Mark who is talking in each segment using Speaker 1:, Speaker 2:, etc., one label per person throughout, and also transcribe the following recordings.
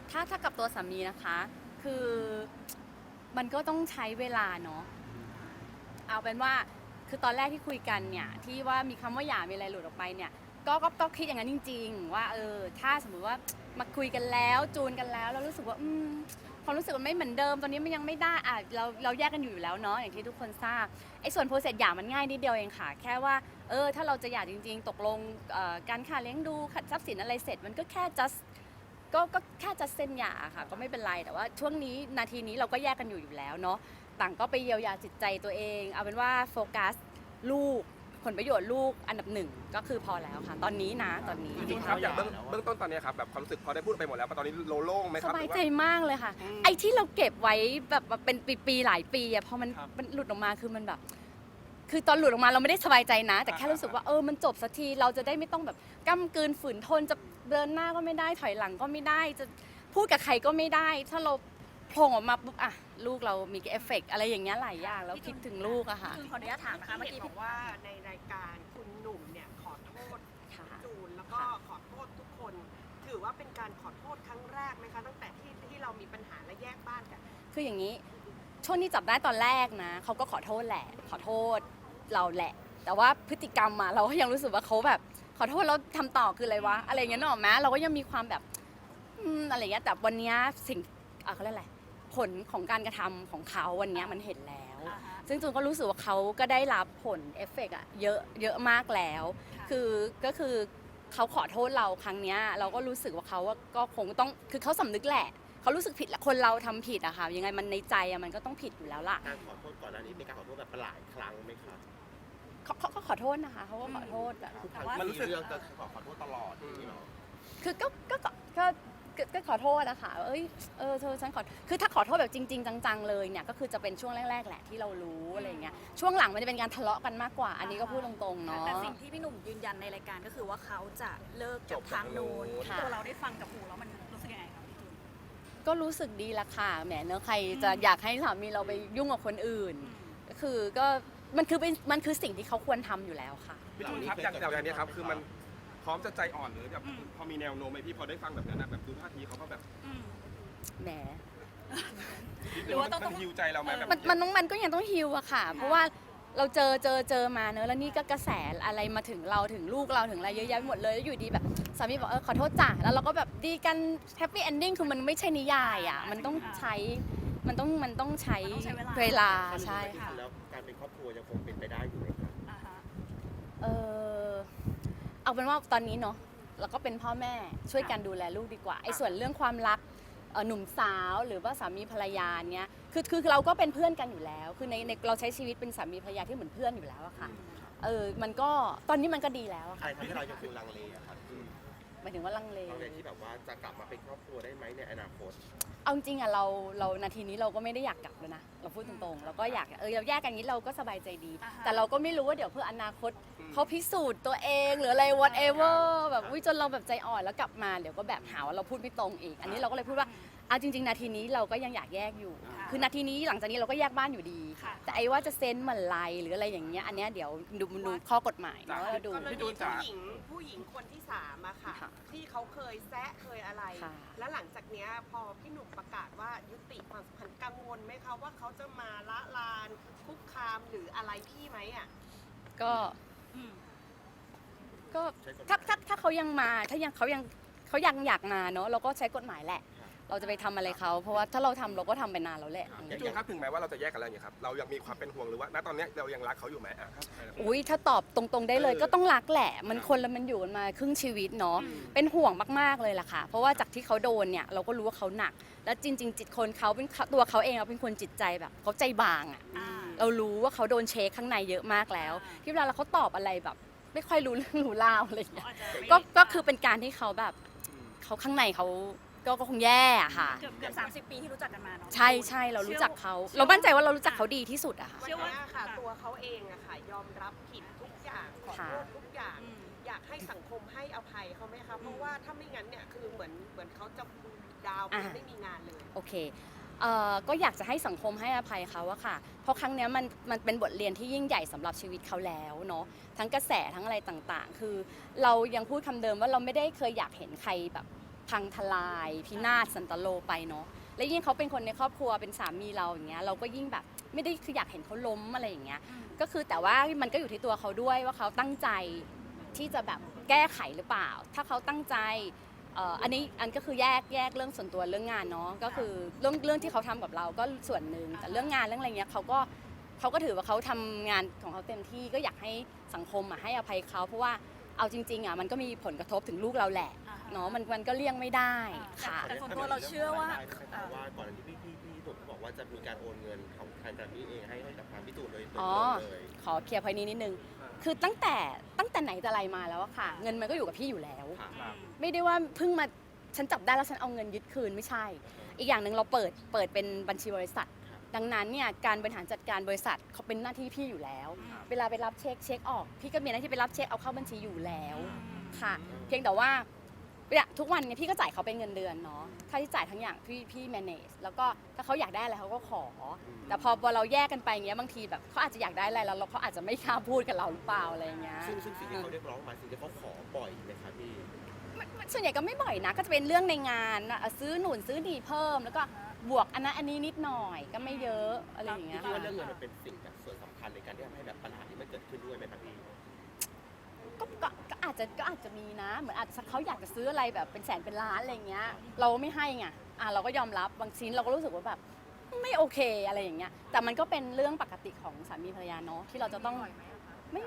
Speaker 1: ถ้ากับตัวสามีนะคะคือมันก็ต้องใช้เวลาเนาะเอาเป็นว่าคือตอนแรกที่คุยกันเนี่ยที่ว่ามีคำว่าหย่ามีอะไรหลุดออกไปเนี่ยก็คิดอย่างนั้นจริงๆว่าถ้าสมมติว่ามาคุยกันแล้วจูนกันแล้วเรารู้สึกว่าความรู้สึกมันไม่เหมือนเดิมตอนนี้มันยังไม่ได้เราแยกกันอยู่แล้วเนาะอย่างที่ทุกคนทราบไอ้ส่วนโปรเซสหย่ามันง่ายนิดเดียวเองค่ะแค่ว่าถ้าเราจะหย่าจริงๆตกลงการค่าเลี้ยงดูทรัพย์สินอะไรเสร็จมันก็แค่ just ก็แค่จะเซ็นหย่าค่ะก็ไม่เป็นไรแต่ว่าช่วงนี้นาทีนี้เราก็แยกกันอยู่แล้วเนาะต่างก็ไปเยียวยาจิตใจตัวเองเอาเป็นว่าโฟกัสลูกผลประโยชน์ลูกอันดับหนึ่งก็คือพอแล้วค่ะตอนนี้นะตอนนี้
Speaker 2: จริงๆครับอย่างเบื้องต้นตอนนี้ครับแบบความรู้สึกพอได้พูดไปหมดแล้วตอนนี้โล่งไหมค
Speaker 1: ส
Speaker 2: รับบ
Speaker 1: ายใจมากเลยค่ะไอ้ที่เราเก็บไว้แบบเป็นปีๆหลายปีอะพอมันหลุดออกมาคือมันแบบคือตอนหลุดออกมาเราไม่ได้สบายใจนะแต่แค่รู้สึกว่ามันจบสักทีเราจะได้ไม่ต้องแบบก้ำกืนฝืนทนจะเดินหน้าก็ไม่ได้ถอยหลังก็ไม่ได้จะพูดกับใครก็ไม่ได้ถ้าเราโผล่ออกมาปุ๊บอะลูกเรามีเอฟเฟกต์อะไรอย่างเงี้ยหลายอย่างแล้วคิดถึงลูกอะค่ะ
Speaker 3: คือขออนุญาตถามนะคะเมื่อกี้
Speaker 4: บ
Speaker 3: พี่
Speaker 4: อกว่าในรายการคุณหนุ่มเนี่ยขอโทษ
Speaker 1: ค่ะ
Speaker 4: จูนแล้วก็ขอโทษทุกคน ถือว่าเป็นการขอโทษครั้งแรกไหมคะตั้งแต่ที่เรามีปัญหาและแยกบ้านกัน
Speaker 1: คืออย่างนี้ช่วงที่จับได้ตอนแรกนะเขาก็ขอโทษแหละขอโทษเราแหละ แต่ว่าพฤติกรรมมาเราก็ยังรู้สึกว่าเขาแบบขอโทษแล้วทำต่อคืออะไรวะอะไรอย่างเงี้ยนึกออกไหมเราก็ยังมีความแบบอะไรอย่างเงี้ยแต่วันเนี้ยสิ่งเขาเรียกอะไรผลของการกระทำของเขาวันเนี้ยมันเห็นแล้ว ซึ่งจูนก็รู้สึกว่าเขาก็ได้รับผลเอฟเฟกต์อะเยอะมากแล้วก็คือเขาขอโทษเราครั้งเนี้ยเราก็รู้สึกว่าเขาก็คงต้องคือเขาสำนึกแหละเขารู้สึกผิดแหละคนเราทำผิดอะค่ะยังไงมันในใจอะมันก็ต้องผิดอยู่แล้วล่ะ
Speaker 5: การขอโทษก่อนหน้านี้เป็นการขอโทษแบบหลายครั้งไหมคะ
Speaker 1: เขาขอโทษนะคะเขาก็ขอโทษแบบ
Speaker 5: ทุกครั้งที่มีเรื่องจะขอโทษตลอดอย่างนี้เนาะ
Speaker 1: คือก็ขอโทษนะคะเธอฉันขอคือถ้าขอโทษแบบจริงๆจังๆเลยเนี่ยก็คือจะเป็นช่วงแรกๆแหละที่เรารู้อะไรเงี้ยช่วงหลังมันจะเป็นการทะเลาะกันมากกว่า อันนี้ก็พูดตรงๆเนาะ
Speaker 3: แต่สิ่งที่พี่หนุ่มยืนยันในรายการก็คือว่าเขาจะเลิกกับทางนู้น
Speaker 1: ค่ะ
Speaker 3: ตัวเราได้ฟังกับหูแล้วมันรู้สึกยังไงครับพี่จูน
Speaker 1: ก็รู้สึกดีละค่ะแหมเนอะใครจะอยากให้สามีเราไปยุ่งกับคนอื่นก็คือมันคือสิ่งที่เขาควรทำอยู่แล้วค่ะ
Speaker 2: พี่จูนครับอย่างนี้ครับคือมันพร้อมจะใจอ่อนหรือแบบพอมีแนวโน้มไหมพี่พอได้ฟังแบบนั้นแบบดูท่าทีเขาก็แบบ
Speaker 1: แหม
Speaker 3: หรือว่าต้อง
Speaker 2: มันฮิวใจเราไหมแบบ
Speaker 1: มันก็ยังต้องฮิวอะค่ะ เพราะว่าเราเจอมาเนอะแล้วนี่ก็กระแสอะไรมาถึงเราถึงลูกเราถึงอะไรเยอะแยะไปหมดเลยแล้วอยู่ดีแบบสามีบอกขอโทษจ้ะแล้วเราก็แบบดีกันแฮปปี้เอนดิ้งคือมันไม่ใช่นิยายอะมันต้องใช้เวลาใช่ค่ะ
Speaker 5: แล้วการเป็นครอบครัวยังคงเป็นไปได้อยู่ไหมคะ
Speaker 3: อ่าฮะ
Speaker 1: เอาเป็นว่าตอนนี้เนาะเราก็เป็นพ่อแม่ช่วยกันดูแลลูกดีกว่าไอ้ส่วนเรื่องความรักหนุ่มสาวหรือว่าสามีภรรยาเนี้ยคือเราก็เป็นเพื่อนกันอยู่แล้วคือในเราใช้ชีวิตเป็นสามีภรรยาที่เหมือนเพื่อนอยู่แล้วอะค่ะมันก็ตอนนี้มันก็ดีแล้วอะ
Speaker 5: ใคร
Speaker 1: ค่ะ
Speaker 5: ทำให้เรายังคงลังเลอะครับ
Speaker 1: หมายถึงว่าลังเล
Speaker 5: ลังเลที่แบบว่าจะกลับมาเป็นครอบครัวได้ไหมในอนาคต
Speaker 1: เอาจริงอะเรานาทีนี้เราก็ไม่ได้อยากกลับแล้วนะเราพูดตรงๆเราก็อยากเราแยกกันอย่างนี้เราก็สบายใจดี แต่เราก็ไม่รู้ว่าเดี๋ยวเพื่ออนาคตเขาพิสูจน์ตัวเองหรืออะไร whatever แบบจนเราแบบใจอ่อนแล้วกลับมาเดี๋ยวก็แบบหาว่าเราพูดไม่ตรงอีก อันนี้เราก็เลยพูดว่าจริงๆนาทีนี้เราก็ยังอยากแยกอยู่ คือนาทีนี้หลังจากนี้เราก็แยกบ้านอยู่ดี แต่ไอ้ว่าจะเซ็นเมื่อไรหรืออะไรอย่างเงี้ยอันเนี้ยเดี๋ยวดูข้อกฎหมายเนาะเราดู
Speaker 4: กรณีผู้หญิงคนที่3อะค่ะ
Speaker 1: ค่ะ
Speaker 4: ที่เขาเคยแซะเคยอะไร
Speaker 1: ค่ะ
Speaker 4: แล้วหลังจากเนี้ยพอพี่หนุ่มประกาศว่ายุติความสัมพันธ์กังวลไหมคะว่าเขาจะมาละลานคุกคามหรืออะไรพี่ไหมอะ
Speaker 1: ก็
Speaker 3: อืม
Speaker 1: ถ้าเขายังมาเขายังอยากมาเนาะเราก็ใช้กฎหมายแหละ เราจะไปทำอะไรเขาเพราะว่าถ้าเราทำเราก็ทำไปนานแล้วแหละ
Speaker 2: พี่จูนครับถึงแม้ว่าเราจะแยกกันแล้วอย่างนี้ครับเรายังมีความเป็นห่วงหรือว่าณตอนนี้เรายังรักเขาอยู่ไหมครับ
Speaker 1: อุ้ยถ้าตอบตรงๆได้เลยก็ต้องรักแหละ มันคนละมันอยู่กันมาครึ่งชีวิตเนาะเป็นห่วงมากๆเลยล่ะค่ะ เพราะว่าจากที่เขาโดนเนี่ยเราก็รู้ว่าเขาหนัก แล้วจริง ๆ จิตคนเขาเป็นตัวเขาเองเป็นคนจิตใจแบบเขาใจบางอ่ะเรารู้ว่าเขาโดนเช็คข้างในเยอะมากแล้ว ที่เวลาเขาตอบอะไรแบบ ไม่ค่อยรู้เรื่องรู้ราวอะไรอย่างเงี้ยก็คือเป็นการที่เขาแบบเขาข้างในเขาก็คงแย่อะค่ะ
Speaker 3: เกือบ30 ปีที่รู้จักกันมาเนาะ
Speaker 1: ใช่เรารู้จักเขาเรามั่นใจว่าเรารู้จักเขาดีที่สุดอะค่ะ
Speaker 4: วันนี้ค่ะตัวเขาเองอะค่ะยอมรับผิดทุกอย่างขอโทษทุกอย่าง อยากให้สังคมให้อภัยเขาไหมคะเพราะว่าถ้าไม่งั้นเนี่ยคือเหมือนเขาจะดาวน์ไม่มีงานเลย
Speaker 1: โอเคก็อยากจะให้สังคมให้อภัยเขาอะค่ะ เพราะครั้งนี้มันเป็นบทเรียนที่ยิ่งใหญ่สำหรับชีวิตเขาแล้วเนาะทั้งกระแสทั้งอะไรต่างๆ คือเรายังพูดคำเดิมว่าเราไม่ได้เคยอยากเห็นใครแบบพังทลายพินาศสันตโลไปเนาะและยิ่งเขาเป็นคนในครอบครัวเป็นสามีเราอย่างเงี้ยเราก็ยิ่งแบบไม่ได้คืออยากเห็นเขาล้มอะไรอย่างเงี้ยก็คือแต่ว่ามันก็อยู่ที่ตัวเขาด้วยว่าเขาตั้งใจที่จะแบบแก้ไขหรือเปล่า ถ้าเขาตั้งใจอันนี้ก็คือแยกเรื่องส่วนตัวเรื่องงานเนาะก็คือเรื่องที่เขาทำกับเราก็ส่วนหนึ่งแต่เรื่องงานเรื่องอะไรเงี้ยเขาก็ถือว่าเขาทำงานของเขาเต็มที่ก็อยากให้สังคมให้อภัยเขาเพราะว่าเอาจริงๆมันก็มีผลกระทบถึงลูกเราแหละเนาะมันก็เลี่ยงไม่ได้ค่ะ
Speaker 3: แต่ส่วนตัวเราเชื่อว่า
Speaker 5: ว่าก่อนอันนี้พี่ตุ่นบอกว่าจะมีการโอนเงินของทางแกรมมี่เองให้กับทางพี่ตุ่นโดยตรง
Speaker 1: อ๋อ
Speaker 5: เลย
Speaker 1: ขอเคลียร์พอยนี้นิดนึงคือตั้งแต่ไหนแต่ไรมาแล้วอะค่ะ เงินมันก็อยู่กับพี่อยู่แล้ว
Speaker 5: ค่ะ
Speaker 1: ไม่ได้ว่าเพิ่งมาฉันจับได้แล้วฉันเอาเงินยึดคืนไม่ใช่ อีกอย่างหนึ่งเราเปิดเป็นบัญชีบริษัท ดังนั้นเนี่ยการบริหารจัดการบริษัทเขาเป็นหน้าที่พี่อยู่แล้ว เวลาไปรับเช็คออกพี่ก็มีหน้าที่ไปรับเช็คเอาเข้าบัญชีอยู่แล้วค่ะ เพียงแต่ว่าเนี่ยทุกวันเนี่ยพี่ก็จ่ายเขาเป็นเงินเดือนเนาะค่าใช้จ่ายทั้งอย่างพี่ manage แล้วก็ถ้าเขาอยากได้อะไรเขาก็ขอ แต่พอเราแยกกันไปอย่างเงี้ยบางทีแบบเขาอาจจะอยากได้อะไรแล้วเขาอาจจะไม่กล้าพูดกับเราหรือเปล่าอะไรอย่างเงี้ย
Speaker 5: ซึ่งสิ่งที่เขาเรียกร้องมาสิ่งที่เขาขอบ่อยไหมคะพี่
Speaker 1: ส่วนใหญ่ก็ไม่บ่อยนะก็จะเป็นเรื่องในงานซื้อหนุนซื้อดีเพิ่มแล้วก็บวกอันนั้นอันนี้นิดหน่อยก็ไม่เยอะอะไรอย่างเงี้ย
Speaker 5: คิด
Speaker 1: ค่ะ
Speaker 5: ว่าเรื่องเงินมันเป็นสิ่งแบบส่วนสำคัญในการที่ทำให้แบบปัญหาที่มันเกิดขึ้นด้วยไหมคะพี่
Speaker 1: ก็อาจจะมีนะเหมือนอาจจะเขาอยากจะซื้ออะไรแบบเป็นแสนเป็นล้านอะไรเงี้ยเราไม่ให้ไงเราก็ยอมรับบางชิ้นเราก็รู้สึกว่าแบบไม่โอเคอะไรอย่างเงี้ยแต่มันก็เป็นเรื่องปกติของสามีภรรยาเนาะที่เราจะต้องไม่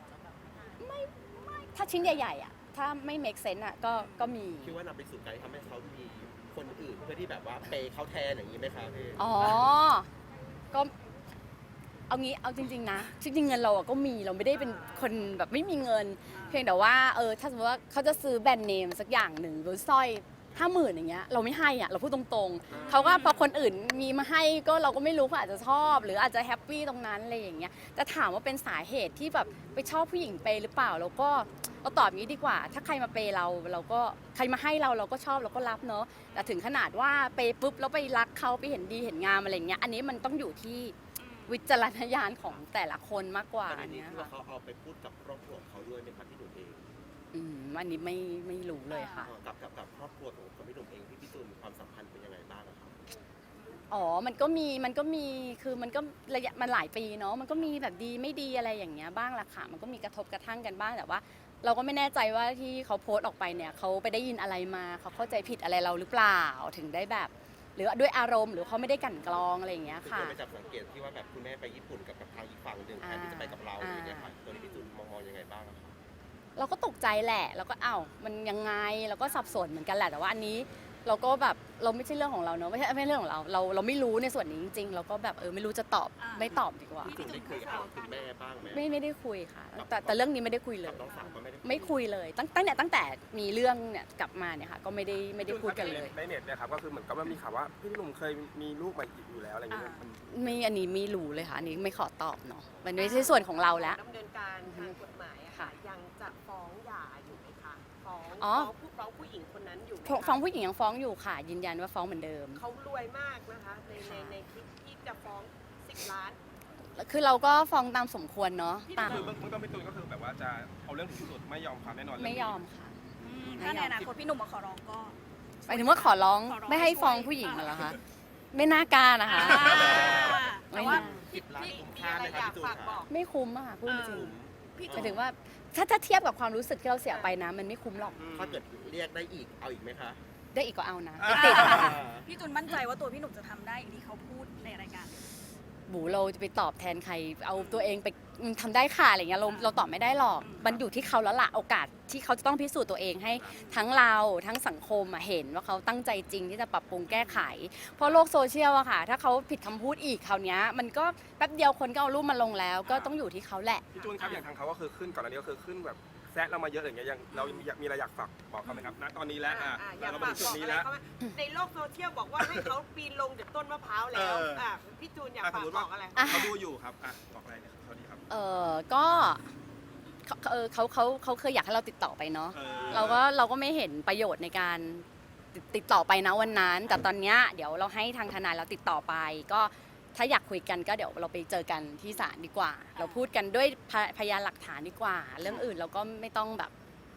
Speaker 1: ถ้าชิ้นใหญ่ๆถ้าไม่ make sense ก็มี
Speaker 5: คิดว่านำไปสู่การที่ทำให้เขามีคนอื่นเพื่อที่แบบว่าเปย์เขาแทนอย่างนี้ไหมคะพี่
Speaker 1: อ๋อ ก็เอาจริงๆนะจริงๆเงินเราก็มีเราไม่ได้เป็นคนแบบไม่มีเงิน เพียงแต่ว่าถ้าสมมติว่าเขาจะซื้อแบรนด์เนมสักอย่างหนึ่งหรือสร้อย50,000อย่างเงี้ยเราไม่ให้เราพูดตรงๆเขาก็พอคนอื่นมีมาให้ก็เราก็ไม่รู้เขาอาจจะชอบ หรืออาจจะแฮปปี้ตรงนั้นอะไรอย่างเงี้ยแต่ถามว่าเป็นสาเหตุที่แบบไปชอบผู้หญิงเปย์หรือเปล่าเราตอบอย่างนี้ดีกว่า ถ้าใครมาเปย์เราก็ใครมาให้เราก็ชอบเราก็รับเนาะแต่ถึงขนาดว่าเปย์ปุ๊บแล้วไปรักเขาไปเห็นดีเห็นงามอะไรอย่างเงี้ยอันนี้มันต้องอยู่ที่วิจารณญาณของแต่ละคนมากกว่า
Speaker 5: ประเด็นนี้
Speaker 1: เนี้ย
Speaker 5: คือว่า
Speaker 1: ค่ะ
Speaker 5: เขาเอาไปพูดกับครอบครัวของเขาด้วยไหมคะพี่ตุ่นเอง
Speaker 1: อันนี้ไม่รู้เลยค่ะ
Speaker 5: กับครอบครัวของพี่ตุ่นเองพี่ตุ่นมีความสัมพันธ์เป็นยังไงบ้างอะครับ
Speaker 1: อ๋อ มันก็มีคือมันก็ระยะมันหลายปีเนาะ มันก็มีแบบดีไม่ดีอะไรอย่างเงี้ยบ้างละค่ะ มันก็มีกระทบกระทั่งกันบ้าง แต่ว่า เราก็ไม่แน่ใจว่าที่เขาโพสต์ออกไปเนี่ยเขาไปได้ยินอะไรมาเขาเข้าใจผิดอะไรเราหรือเปล่า ถึงได้แบบ หรือด้วยอารมณ์หรือเขาไม่ได้กลั่นกรองอะไรอย่างเงี้ย
Speaker 5: คือ
Speaker 1: ค่ะ
Speaker 5: เคยไปจับสังเกตที่ว่าแบบคุณแม่ไปญี่ปุ่นกับทางอีกฝั่งหนึ่งแทนที่จะไปกับเราอย่างเงี้ยค่ะตัวนี้พี่ตุ่นมองยังไงบ้างอะคะ
Speaker 1: เราก็ตกใจแหละ แล้วก็มันยังไง เราก็สับสนเหมือนกันแหละ แต่ว่าอันนี้เราก็แบบเราไม่ใช่เรื่องของเราเนอะไม่ใช่เรื่องของเรา เราไม่รู้ในส่วนนี้จริงๆ เราก็แบบไม่รู้จะตอบ ไม่ตอบดีกว่า
Speaker 5: พี่ตุ่นได้เคยถามคุณแม่บ้างไหม
Speaker 1: ไม่ได้คุยค่ะ แต่เรื่องนี้ไม่ได้คุยเล
Speaker 5: กับ
Speaker 1: ย
Speaker 5: น้องสาวก็ไม่ได้
Speaker 1: ไม่คุยเลยตั้งแต่มีเรื่องเนี่ยกลับมาเนี่ยค่ะก็ไม่ได้พูดกันเลย
Speaker 2: ในเน็ตเนี่ยครับก็คือเหมือนกับว่ามีข่าวว่าพี่หนุ่มเคยมีลูกมาอยู่แล้วอะไรอย่างเงี้ยมัน
Speaker 1: อันนี้ไม่รู้เลยค่ะอันนี้ไม่ขอตอบเนาะมันไม่ใช่ส่วนของเราแล้ว
Speaker 4: ดำเนินการทางกฎหมายอะค่ะ ยังจะฟ้องหย่าอยู่ไหมคะฟ้องผู้หญิงคนนั้นอยู่ไหมคะ
Speaker 1: ฟ้องผู้หญิงยังฟ้องอยู่ค่ะ ยืนยันว่าฟ้องเหมือนเดิม
Speaker 4: เขารวยมากนะคะในคลิปที่จะฟ้อง10 ล้าน
Speaker 1: คือเราก็ฟ้องตามสมควรเนาะตาม
Speaker 2: คือเบื้องต้นพี่ตูนก็คือแบบว่าจะเอาเรื่องถึงที่สุดไม่ยอมความแน่นอนเรื่อง
Speaker 1: ไม่
Speaker 2: นี้
Speaker 1: ยอมค่ะ
Speaker 3: ถ้าในอนาคตพี่หนุ่มมาขอร้องก็
Speaker 1: หมายถึงว่าขอร้อง
Speaker 3: ขอร้อง
Speaker 1: ไม่ให้ฟ้องผู้หญิงเหรอคะไม่น่ากล้านะคะ
Speaker 3: แต่ว่า
Speaker 5: 10 ล้านคุ้ม
Speaker 4: มี
Speaker 5: ค่า
Speaker 4: อะไร
Speaker 5: ไหม
Speaker 4: อ
Speaker 5: คะ
Speaker 4: ยาก
Speaker 5: พี่ตุ่น
Speaker 4: ฝากบ
Speaker 5: คะ
Speaker 4: อก
Speaker 1: ไม่คุ้มอะค่ะพูดจริง
Speaker 3: พี่
Speaker 1: หมายถึงว่าถ้าเทียบกับความรู้สึกที่เราเสียไปนะ มันไม่คุ้มหรอก
Speaker 5: ถ้าเกิดเรียกได้อีกเอาอีกไหมคะ
Speaker 1: ได้อีกก็เอานะไม่ติด
Speaker 3: พี่ตุนมั่นใจว่าตัวพี่หนุ่มจะทำได้อย่างที่เขาพูดในรายการ
Speaker 1: บูเราจะไปตอบแทนใครเอาตัวเองไปทำได้ค่ะอะไรเงี้ยเราตอบไม่ได้หรอกมันอยู่ที่เขาแล้วล่ะโอกาสที่เขาจะต้องพิสูจน์ตัวเองให้ทั้งเราทั้งสังคมเห็นว่าเขาตั้งใจจริงที่จะปรับปรุงแก้ไข เพราะโลกโซเชียลอะค่ะถ้าเขาผิดคำพูดอีกคราวนี้มันก็แป๊บเดียวคนก็เอารูปมาลงแล้ว ก็ต้องอยู่ที่เขาแหละ
Speaker 2: พี่จูนครับอย่างทางเขาก็คือขึ้นก่อนอันนี้ก็คือขึ้นแบบแซะเรามาเยอะอย่างเงี้ยยังเรามีอะไรอยากฝากบอกเขาไหมครับณตอนนี้แล้ว
Speaker 4: อยาก
Speaker 2: เรา
Speaker 4: ฝา
Speaker 2: มาถึงจุด
Speaker 4: กบอก
Speaker 2: นี้
Speaker 4: อะไร
Speaker 2: แล้ว
Speaker 4: เขาไหมในโลกโซเชียลบอกว่าให้เขาปีนลงจากต้นมะพร้าวแล้วพี่จูนอยากฝากบอกอะไร
Speaker 2: เขาดูอยู่ครับบอกอะไรเนี่ยเขาดีครับ
Speaker 1: ก็เขาเคยอยากให้เราติดต่อไปเนาะ เราก็ไม่เห็นประโยชน์ในการติดต่อไปนะวันนั้น แต่ตอนเนี้ยเดี๋ยวเราให้ทางทนายเราติดต่อไป ก็ถ้าอยากคุยกันก็เดี๋ยวเราไปเจอกันที่ศาลดีกว่า เราพูดกันด้วยพยานหลักฐานดีกว่า เรื่องอื่นเราก็ไม่ต้องแบบ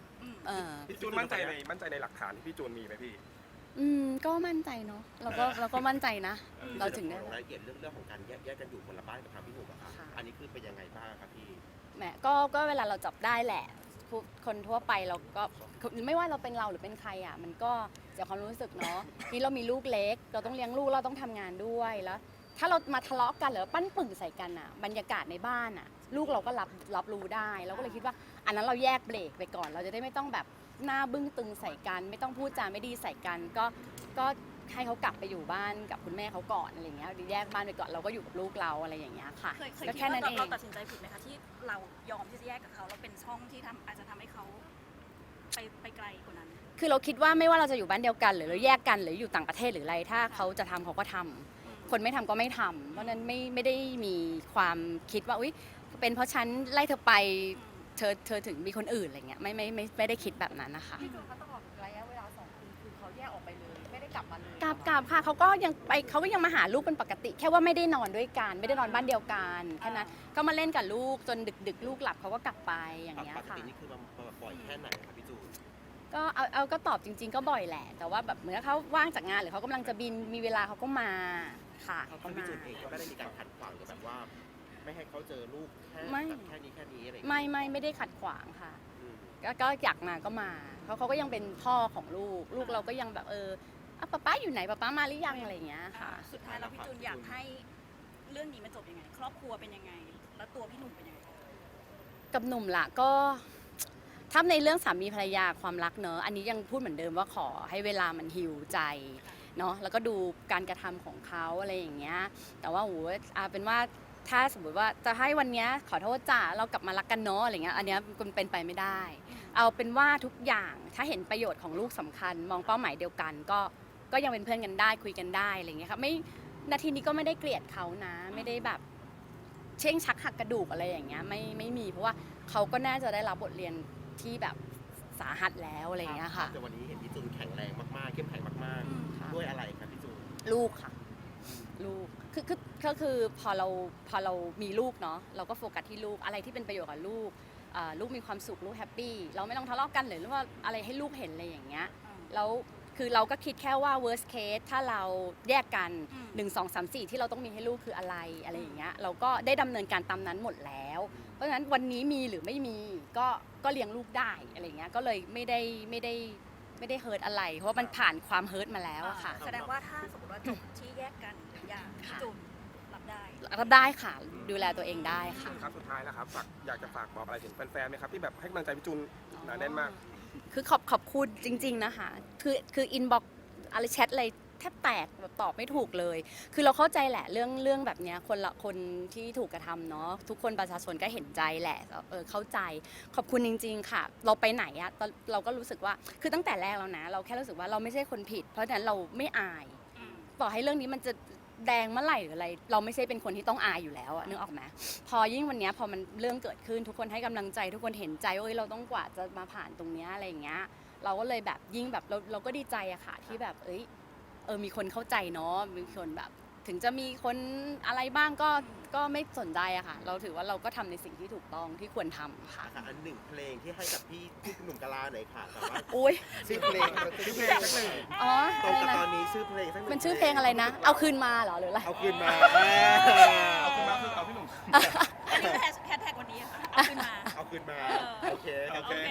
Speaker 2: พี่จูนมั่นใจในหลักฐานที่พี่จูนมีไหมพี่
Speaker 1: ก็มั่นใจเนาะเราก็มั่นใจนะ เราถึงได้
Speaker 5: รายละเอียดเรื่องของการแยกกันอยู่คนละบ้านกับทางพี่หนุ่มอะค่ะ
Speaker 1: ค่ะ
Speaker 5: อันนี้คือเป็นยังไงบ้างครับพี่
Speaker 1: แหมก็เวลาเราจับได้แหละคนทั่วไปเราก็ไม่ว่าเราเป็นเราหรือเป็นใครอ่ะมันก็เสียความรู้สึกเนาะนี่เรามีลูกเล็กเราต้องเลี้ยงลูกเราต้องทำงานด้วยแล้ว ถ้าเรามาทะเลาะกันหรือปั้นปึ่งใส่กันอ่ะบรรยากาศในบ้านอ่ะลูกเราก็รับรู้ได้เราก็เลยคิดว่าอันนั้นเราแยกเบรกไปก่อน เราจะได้ไม่ต้องแบบหน้าบึ้งตึงใส่กัน ไม่ต้องพูดจาไม่ดีใส่กันก็ให้เขากลับไปอยู่บ้านกับคุณแม่เขาก่อนอะไรอย่างเงี้ยแยกบ้านไปก่อนเราก็อยู่กับลูกเราอะไรอย่างเงี้ยค่ะ
Speaker 3: เคย
Speaker 1: ก็
Speaker 3: คิด
Speaker 1: แค่นั้น
Speaker 3: ว่า
Speaker 1: เอง
Speaker 3: เราตัดสินใจผิดไหมคะที่เรายอมที่จะแยกกับเขาแล้วเป็นช่องที่อาจจะทำให้เขาไปไกลกว่านั้น
Speaker 1: คือเราคิดว่าไม่ว่าเราจะอยู่บ้านเดียวกันหรือเราแยกกันหรืออยู่ต่างประเทศหรืออะไรถ้าเขาจะทำเขาก็ทำคนไม่ทำก็ไม่ทำเพราะฉะนั้นไม่ได้มีความคิดว่าอุ๊ยเป็นเพราะฉันไล่เธอไปเธอถึงมีคนอื่นอะไรเงี้ยไม่ได้คิดแบบนั้นนะคะ
Speaker 6: พี่จูนเขาตลอดระยะเวลา2 ปีคือเขาแยกออกไปเลยไม่ได้กลับมาเลย
Speaker 1: กลับค่ะเขาก็ยังมาหาลูกเป็นปกติ แค่ว่าไม่ได้นอนด้วยกันไม่ได้นอนบ้านเดียวกันแค่นั้นก็มาเล่นกับลูกจนดึกลูกหลับเขาก็กลับไปอย่างเงี้ย
Speaker 5: ปก
Speaker 1: ค่ะ
Speaker 5: ตินี่คือมาบ่อยแค่ไหนครับพี่จูน
Speaker 1: ก็เอาก็ตอบจริง ๆ ก็บ่อยแหละ แต่ว่าแบบเหมือนเขาว่างจากงานหรือเขากำลังจะบินมีเวลาเขาก็มาค่ะเขาก็
Speaker 5: พี่
Speaker 1: มา
Speaker 5: จูนเองก็ไม่ได้มีการขัดขวางหรือแบบว่า ไม่ให้เขาเจอลูกแค่
Speaker 1: ไม่
Speaker 5: แบบแค่นี้อะไรอย่างเงี้ย
Speaker 1: ไม่ได้ขัดขวางค่ะ
Speaker 5: อืม
Speaker 1: ก็อยากมาก็มาเขาก็ยังเป็นพ่อของลูกเราก็ยังแบบป๊าอยู่ไหนป๊ามาหรือยังอะไรอย่างเงี้ยค่ะ
Speaker 3: สุดท้ายแล้วพี่จูนอยากให้เรื่องนี้มันจบยังไง ครอบครัวเป็นยังไง แล้วตัวพี่หนุ่มเป็นยังไง
Speaker 1: กับหนุ่มละก็ถ้าในเรื่องสามีภรรยาความรักเนอะอันนี้ยังพูดเหมือนเดิมว่าขอให้เวลามันฮิวใจเนาะแล้วก็ดูการกระทำของเขาอะไรอย่างเงี้ยแต่ว่าเป็นว่าถ้าสมมติว่าจะให้วันเนี้ยขอโทษจ้าเรากลับมารักกันเนาะอะไรเงี้ยอันเนี้ยมันเป็นไปไม่ได้ เอาเป็นว่าทุกอย่างถ้าเห็นประโยชน์ของลูกสำคัญ มองเป้าหมายเดียวกันก็ยังเป็นเพื่อนกันได้คุยกันได้อะไรเงี้ยครับไม่นาทีนี้ก็ไม่ได้เกลียดเขานะ ไม่ได้แบบเช่งชักหักกระดูกอะไรอย่างเงี้ยไม่มีเพราะว่าเขาก็น่าจะได้รับบทเรียนที่แบบสาหัสแล้วอะไรอย่างเงี้ยค่ะ
Speaker 5: แต่วันนี้เห็นพี่จูนแข็งแรงมากๆเข้มแข็งมาก
Speaker 1: ค่ะ
Speaker 5: ๆด้วยอะไรครับพี่จูน
Speaker 1: ลูกค่ะ ลูกคือพอเรามีลูกเนาะเราก็โฟกัสที่ลูกอะไรที่เป็นประโยชน์กับลูกลูกมีความสุขลูกแฮปปี้เราไม่ต้องทะเลาะกันหรือว่าอะไรให้ลูกเห็นอะไรอย่างเงี้ยแล้วคือเราก็คิดแค่ว่า worst case ถ้าเราแยกกัน 1 2 3 4 ที่เราต้องมีให้ลูกคืออะไรอย่างเงี้ยเราก็ได้ดำเนินการตามนั้นหมดแล้ว เพราะฉะนั้นวันนี้มีหรือไม่มีก็เลี้ยงลูกได้อะไรเงี้ยก็เลยไม่ได้เฮิร์ตอะไร เพราะว่ามันผ่านความเฮิร์ตมาแล้วอะค่ะ
Speaker 3: แสดงว่าถ้าสมมติว่าจบที่แยกกันอย่างพี่จูนรับได้
Speaker 1: รับได้ค่ะดูแลตัวเองได้ค่ะ
Speaker 2: ครับสุดท้ายแล้วครับอยากจะฝากบอกอะไรถึงแฟนๆไหมครับที่แบบให้กำลังใจพี่จูนหนาแน่นมาก
Speaker 1: คือขอบคุณจริง ๆนะคะคืออินบ็อกอะไรแชทอะไรแทบแตกแบบตอบไม่ถูกเลย คือเราเข้าใจแหละเรื่องแบบเนี้ยคนที่ถูกกระทำเนาะทุกคนประชาชนก็เห็นใจแหละเข้าใจขอบคุณจริง ๆ ค่ะ เราไปไหนอะเราก็รู้สึกว่าคือตั้งแต่แรกแล้วนะ เราแค่รู้สึกว่าเราไม่ใช่คนผิด เพราะฉะนั้นเราไม่อายต่อให้เรื่องนี้มันจะแดงเมื่อไหร่หรืออะไรเราไม่ใช่เป็นคนที่ต้องอายอยู่แล้วอะนึกออกไหมพอยิ่งวันเนี้ยพอมันเรื่องเกิดขึ้นทุกคนให้กำลังใจทุกคนเห็นใจว่าเราต้องกว่าจะมาผ่านตรงเนี้ยอะไรอย่างเงี้ยเราก็เลยแบบยิ่งแบบเราก็ดีใจอะค่ะที่แบบมีคนเข้าใจเนาะมีคนแบบถึงจะมีคนอะไรบ้างก็ไม่สนใจอะค่ะ เราถือว่าเราก็ทำในสิ่งที่ถูกต้องที่ควรทำค่ะ
Speaker 5: อันหนึ่งเพลงที่ให้กับพี่หนุ่มกะลาหน่อยค่ะแต่ว่า
Speaker 1: อุ้ย
Speaker 5: ชื่อเพลง
Speaker 1: อ๋อ
Speaker 5: ตร
Speaker 1: อะ
Speaker 5: ง
Speaker 1: ไร
Speaker 5: กับ
Speaker 1: นะ
Speaker 5: ตอนนี้ชื่อเพลงสักหนึ่ง
Speaker 1: มันชื่อเพลงอะไรนะ เอาคืนมาเหรอหรืออะไร
Speaker 5: เอาคืนมา
Speaker 2: เอาขึ้นมาคือเอาพี่หนุ่ม
Speaker 3: อันนี้แฮชแท็กวันนี้ค่ะเอาขึ้นมา
Speaker 5: เอาคืนมาโอเค
Speaker 2: โอเค